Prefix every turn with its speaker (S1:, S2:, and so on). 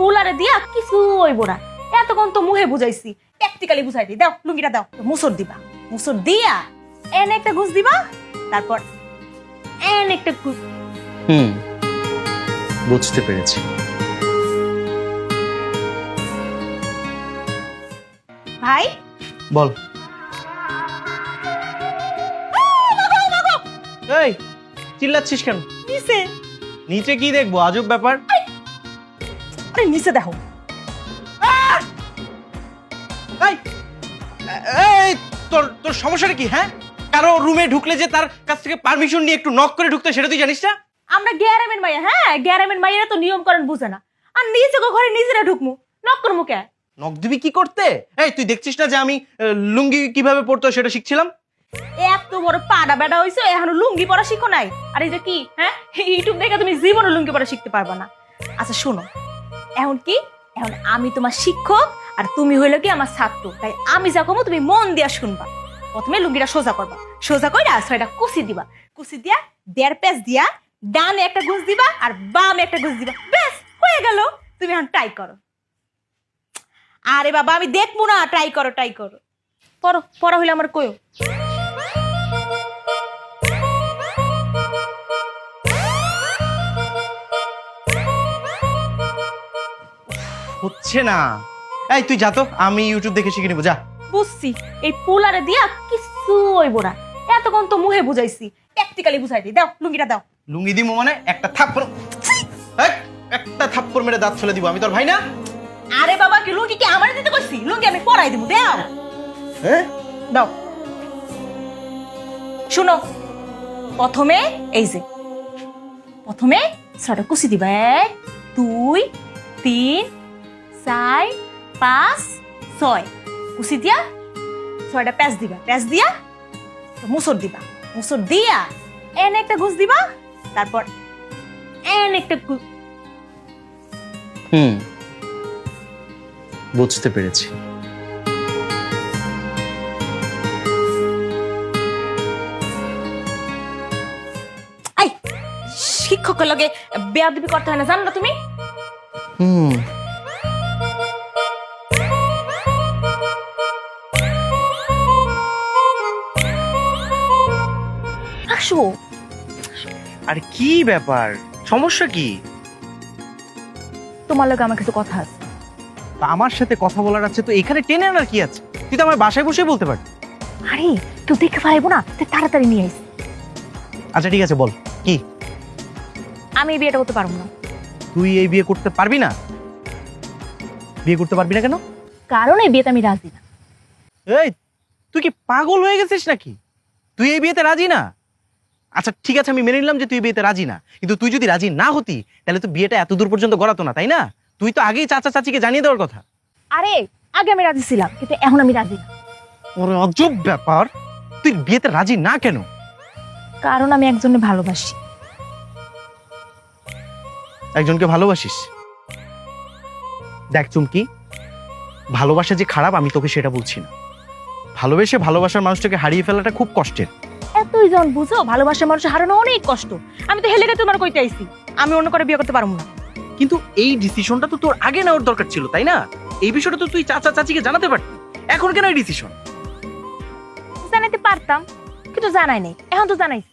S1: পোলারে দিয়া কিছু হইব না। এতক্ষণ তো মুহে বুঝাইছি, প্র্যাকটিক্যালি বুঝাই দিই। দাও লুঙ্গিটা দাও। মুসর দিবা, মুসর দিয়া এন একটা ঘুষ দিবা, তারপর এন একটা ঘুষ।
S2: বুঝতে পেরেছি।
S1: ভাই
S2: বল। এই চিল্লাচ্ছিস কেন?
S1: নিচে।
S2: নিচে কি দেখবো? আজব ব্যাপার।
S1: আরে নিচে দেখো।
S2: এই এই তোর তোর সমস্যাটা কি? হ্যাঁ, কারো রুমে ঢুকলে যে তার কাছ থেকে পারমিশন নিয়ে একটু নক করে ঢুকতে, সেটা তুই জানিস না?
S1: আমরা গ্যারামের মাইয়া, হ্যাঁ গ্যারামের মাইয়া তো নিয়ম কারণ বুঝে না। আর নিজে ঘরে নিজেরা ঢুকমু, নক করমু কে?
S2: নক দিবি কি করতে? এই তুই দেখছিস না যে আমি লুঙ্গি কিভাবে পরতে হয় সেটা শিখছিলাম?
S1: এত বড় পাড়া বেড়া হইছো, এখনো লুঙ্গি পরা শিখো নাই? আর এই যে কি, হ্যাঁ ইউটিউব দেখে তুমি জীবনে লুঙ্গি পরা শিখতে পারবা না। আচ্ছা শোনো, এখন কি, এখন আমি তোমার শিক্ষক আর তুমি হইলো কি আমার ছাত্র, তাই আমি যা কমো তুমি মন দিয়া শুনবা। প্রথমে লুঙ্গিটা সোজা করবা, সোজা কইরা ছয়টা কুচি দিবা, কুচি দিয়া 1.5 পেঁচ দিয়া ডানে একটা ঘুষ দিবা আর বামে একটা ঘুষ দিবা, ব্যাস হয়ে গেল। তুমি এখন ট্রাই করো। আরে বাবা আমি দেখবো না, ট্রাই করো ট্রাই করো। পড়ো, পড়া হইলে আমার কয়ো।
S2: হচ্ছে না। এই তুই যা তো, আমি ইউটিউব দেখে শিখে নেবো, যা।
S1: বুঝছি, এই পোলারে দিয়া কিছু হইব না। এতক্ষণ তো মুহে বুঝাইছি, প্র্যাকটিক্যালি বুঝাই দিই। দাও লুঙ্গিটা দাও।
S2: লুঙ্গি দিমো মানে একটা থাপ্পড়, একটা থাপ্পড় মেরে দাঁত ফেলে দিব। আমি তোর ভাই না?
S1: আরে বাবা কি লুঙ্গি কি আমার দিতে কইছি? লুঙ্গি আমি পরাই দিব, দাও।
S2: হ্যাঁ
S1: দাও। শুনো, প্রথমে এই যে প্রথমে ছয়টা কুচি দিবা, 1 2 3 4 5 6 কুচি দিয়া 6টা প্যাচ দিবা, প্যাচ দিয়া মুসর দিবা, মুসর দিয়া এন একটা ঘুষ দিবা, তারপর এন একটা
S2: বুঝতে পেরেছি।
S1: আই শিক্ষকের লগে বেয়াদবি করতে হয় না, জানো না তুমি? আসো।
S2: আর কি ব্যাপার, সমস্যা কি?
S1: তোমার লগে আমার কিছু কথা আছে।
S2: তা আমার সাথে কথা বলার আছে তো এখানে টেনে আনার কি আছে? তুই তো আমার বাসায় বসে বলতে পারবি।
S1: আরে কেউ দেখে ফেলাইবো না, তুই তাড়াতাড়ি নিয়ে আইস।
S2: আচ্ছা ঠিক আছে, বল কি?
S1: আমি এই বিয়েটা করতে পারবো না।
S2: তুই এই বিয়ে করতে পারবি না? বিয়ে করতে পারবি না কেন?
S1: কারণ এই বিয়েতে আমি রাজি না।
S2: এই তুই কি পাগল হয়ে গেছিস নাকি? তুই এই বিয়েতে রাজি না? আচ্ছা ঠিক আছে, আমি মেনে নিলাম যে তুই বিয়েতে রাজি না, কিন্তু তুই যদি রাজি না হতি তাহলে তো বিয়েটা এত দূর পর্যন্ত গড়াতো না, তাই না? তুই তো আগেই চাচা চাচিকে জানিয়ে দেওয়ার কথা।
S1: আরে আগে আমি রাজি ছিলাম, কিন্তু এখন আমি রাজি না।
S2: ওরে অজব ব্যাপার, তুই বিয়েতে রাজি না কেন?
S1: কারণ আমি একজনকে ভালোবাসি।
S2: একজনকে ভালোবাসিস? দেখ চুমকি, ভালোবাসা যে খারাপ আমি তোকে সেটা বলছি না। ভালোবেসে ভালোবাসার মানুষটাকে হারিয়ে ফেলাটা খুব কষ্টের।
S1: এতই জন বুঝো, ভালোবাসার মানুষ হারানো অনেক কষ্ট। আমি তো হেলে তোমার কইতে আইছি, আমি অন্য করে বিয়ে করতে পারবো না।
S2: কিন্তু এই ডিসিশনটা তো তোর আগে নেওয়ার দরকার ছিল, তাই না? এই বিষয়টা তো তুই চাচা চাচিকে জানাতে পারতি। এখন কেন এই ডিসিশন?
S1: জানাইতে পারতাম, কিন্তু জানাই নাই। এখন তো জানাইছি।